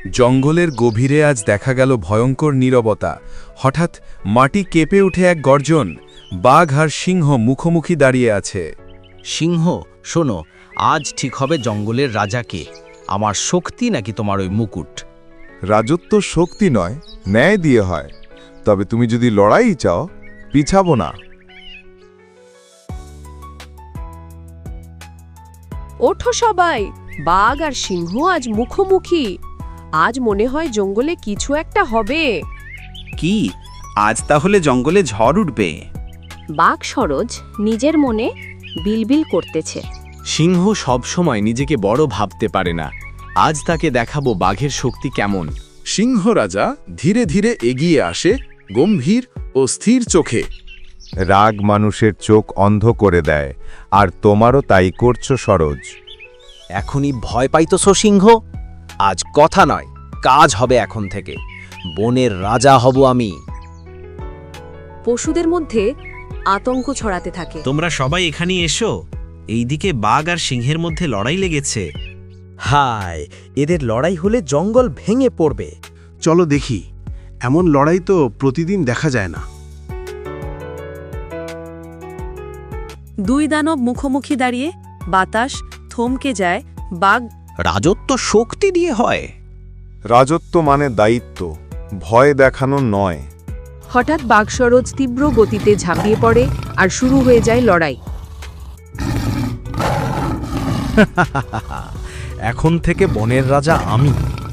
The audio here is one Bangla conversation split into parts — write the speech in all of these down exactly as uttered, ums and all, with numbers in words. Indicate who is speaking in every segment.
Speaker 1: জঙ্গলের গভীরে আজ দেখা গেল ভয়ঙ্কর নীরবতা। হঠাৎ মাটি কেঁপে উঠে এক গর্জন। বাঘ আর সিংহ মুখোমুখি দাঁড়িয়ে আছে।
Speaker 2: সিংহ, শোনো, আজ ঠিক হবে জঙ্গলের রাজাকে, আমার শক্তি নাকি তোমার ওই মুকুট?
Speaker 3: রাজত্ব শক্তি নয়, ন্যায় দিয়ে হয়। তবে তুমি যদি লড়াই চাও, পিছাবো না।
Speaker 4: ওঠো সবাই, বাঘ আর সিংহ আজ মুখোমুখি। আজ মনে হয় জঙ্গলে কিছু একটা হবে।
Speaker 5: কি আজ তাহলে জঙ্গলে ঝড় উঠবে?
Speaker 6: বাঘ সরোজ নিজের মনে বিলবিল করতেছে।
Speaker 7: সিংহ সবসময় নিজেকে বড় ভাবতে পারে না। আজ তাকে দেখাবো বাঘের শক্তি কেমন।
Speaker 8: সিংহ রাজা ধীরে ধীরে এগিয়ে আসে, গম্ভীর ও স্থির চোখে।
Speaker 3: রাগ মানুষের চোখ অন্ধ করে দেয়, আর তোমারও তাই করছো সরোজ।
Speaker 2: এখনই ভয় পাইতছো সিংহ? আজ কথা নয়, কাজ হবে এখন থেকে। বনের রাজা হব আমি।
Speaker 4: পশুদের মধ্যে আতঙ্ক ছড়াতে থাকে।
Speaker 5: তোমরা সবাই এখানে এসো, এইদিকে বাঘ আর সিংহের মধ্যে লড়াই লেগেছে।
Speaker 2: হায়, এদের লড়াই হলে জঙ্গল ভেঙে পড়বে।
Speaker 8: চলো দেখি, এমন লড়াই তো প্রতিদিন দেখা যায় না।
Speaker 4: দুই দানব মুখোমুখি দাঁড়িয়ে, বাতাস থমকে যায়। বাঘ
Speaker 2: রাজত্ব শক্তি দিয়ে হয়।
Speaker 3: রাজত্ব মানে দায়িত্ব, ভয় দেখানো নয়।
Speaker 4: হঠাৎ বাঘ সরোজ তীব্র গতিতে ঝাঁপিয়ে পড়ে আর শুরু হয়ে যায় লড়াই।
Speaker 2: এখন থেকে বনের রাজা আমি।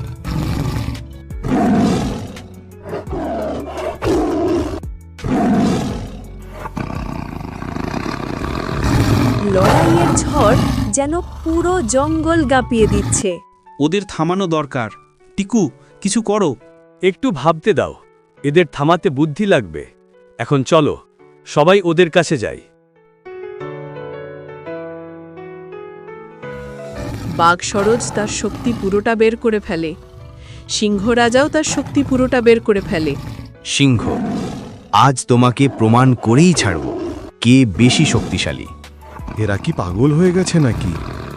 Speaker 4: লড়াইয়ের ঝড় যেন পুরো জঙ্গল গাপিয়ে দিচ্ছে।
Speaker 5: ওদের থামানো দরকার। টিকু, কিছু করো।
Speaker 9: একটু ভাবতে দাও, এদের থামাতে বুদ্ধি লাগবে। এখন চলো, সবাই ওদের কাছে যাই।
Speaker 4: বাঘ সরোজ তার শক্তি পুরোটা বের করে ফেলে। সিংহ রাজাও তার শক্তি পুরোটা বের করে ফেলে।
Speaker 7: সিংহ, আজ তোমাকে প্রমাণ করেই ছাড়ব কে বেশি শক্তিশালী।
Speaker 8: এরা কি পাগল হয়ে গেছে নাকি?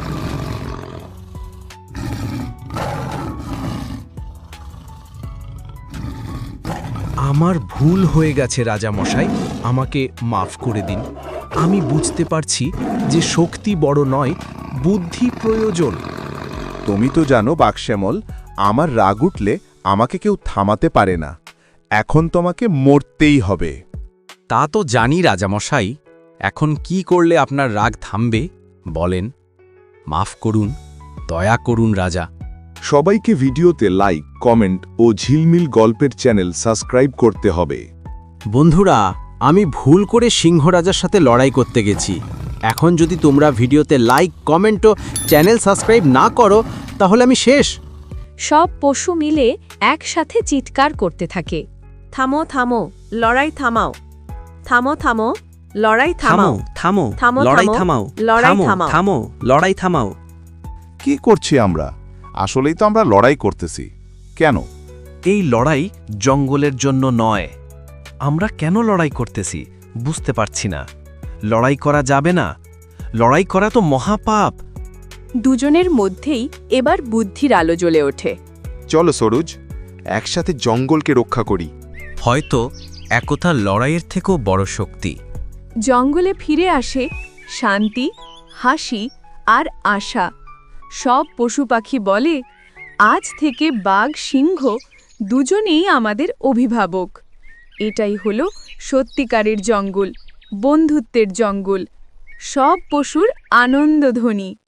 Speaker 7: আমার ভুল হয়ে গেছে রাজা মশাই, আমাকে মাফ করে দিন। আমি বুঝতে পারছি যে শক্তি বড় নয়, বুদ্ধি প্রয়োজন।
Speaker 3: তুমি তো জানো বাঘশ্যামল, আমার রাগ উঠলে আমাকে কেউ থামাতে পারে না। এখন তোমাকে মরতেই হবে।
Speaker 7: তা তো জানি রাজামশাই, এখন কি করলে আপনার রাগ থামবে বলেন? মাফ করুন, দয়া করুন রাজা।
Speaker 3: সবাইকে ভিডিওতে লাইক, কমেন্ট ও ঝিলমিল গল্পের চ্যানেল সাবস্ক্রাইব করতে হবে।
Speaker 7: বন্ধুরা, আমি ভুল করে সিংহ রাজার সাথে লড়াই করতে গেছি। এখন যদি তোমরা ভিডিওতে লাইক, কমেন্ট ও চ্যানেল সাবস্ক্রাইব না করো, তাহলে আমি শেষ।
Speaker 4: সব পশু মিলে একসাথে চিৎকার করতে থাকে, থামো থামো, লড়াই থামাও, থামো থামো, লড়াই
Speaker 5: থামো
Speaker 4: থামাও,
Speaker 5: থামো,
Speaker 4: থামো
Speaker 5: লড়াই
Speaker 4: থামো,
Speaker 5: থামাও,
Speaker 4: লড়াই
Speaker 5: থামো
Speaker 4: থামাও।
Speaker 5: থামো, লড়াই থামাও।
Speaker 3: কি করছি আমরা? আসলেই তো আমরা লড়াই করতেছি। কেন?
Speaker 5: এই লড়াই জঙ্গলের জন্য নয়। আমরা কেন লড়াই করতেছি বুঝতে পারছি না। লড়াই করা যাবে না, লড়াই করা তো মহাপাপ।
Speaker 4: দুজনের মধ্যেই এবার বুদ্ধির আলো জ্বলে ওঠে।
Speaker 3: চলো সরোজ, একসাথে জঙ্গলকে রক্ষা করি।
Speaker 2: হয়তো একতা লড়াইয়ের থেকেও বড় শক্তি।
Speaker 4: জঙ্গলে ফিরে আসে শান্তি, হাসি আর আশা। সব পশু পাখি বলে, আজ থেকে বাঘ সিংহ দুজনেই আমাদের অভিভাবক। এটাই হলো সত্যিকারের জঙ্গল, বন্ধুত্বের জঙ্গল, সব পশুর আনন্দধ্বনি।